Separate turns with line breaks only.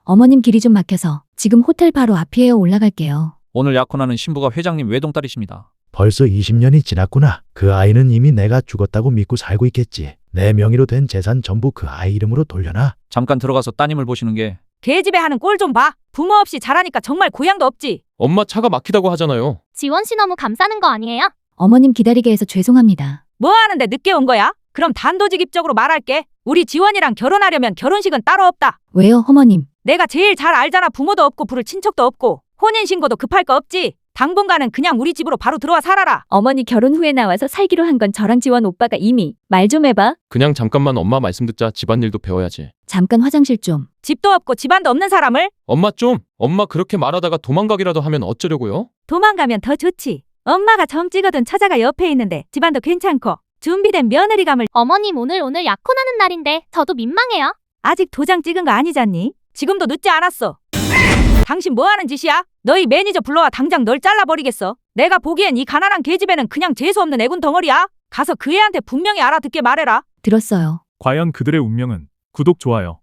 어머님 길이 좀 막혀서 지금 호텔 바로 앞이에요. 올라갈게요.
오늘 약혼하는 신부가 회장님 외동딸이십니다.
벌써 20년이 지났구나. 그 아이는 이미 내가 죽었다고 믿고 살고 있겠지. 내 명의로 된 재산 전부 그 아이 이름으로 돌려놔.
잠깐 들어가서 따님을 보시는 게
개집애 하는 꼴 좀 봐. 부모 없이 자라니까 정말 고향도 없지.
엄마 차가 막히다고 하잖아요.
지원 씨 너무 감싸는 거 아니에요?
어머님 기다리게 해서 죄송합니다.
뭐 하는데 늦게 온 거야? 그럼 단도직입적으로 말할게. 우리 지원이랑 결혼하려면 결혼식은 따로 없다.
왜요, 어머님?
내가 제일 잘 알잖아. 부모도 없고 부를 친척도 없고 혼인신고도 급할 거 없지. 당분간은 그냥 우리 집으로 바로 들어와 살아라.
어머니 결혼 후에 나와서 살기로 한 건 저랑 지원 오빠가 이미. 말 좀 해봐.
그냥 잠깐만 엄마 말씀 듣자. 집안일도 배워야지.
잠깐 화장실 좀.
집도 없고 집안도 없는 사람을
엄마 그렇게 말하다가 도망가기라도 하면 어쩌려고요?
도망가면 더 좋지. 엄마가 점 찍어둔 처자가 옆에 있는데 집안도 괜찮고 준비된 며느리감을.
어머님 오늘 약혼하는 날인데 저도 민망해요.
아직 도장 찍은 거 아니잖니? 지금도 늦지 않았어. 당신 뭐 하는 짓이야? 너희 매니저 불러와 당장 널 잘라버리겠어. 내가 보기엔 이 가난한 계집애는 그냥 재수없는 애군 덩어리야. 가서 그 애한테 분명히 알아듣게 말해라.
들었어요.
과연 그들의 운명은? 구독, 좋아요.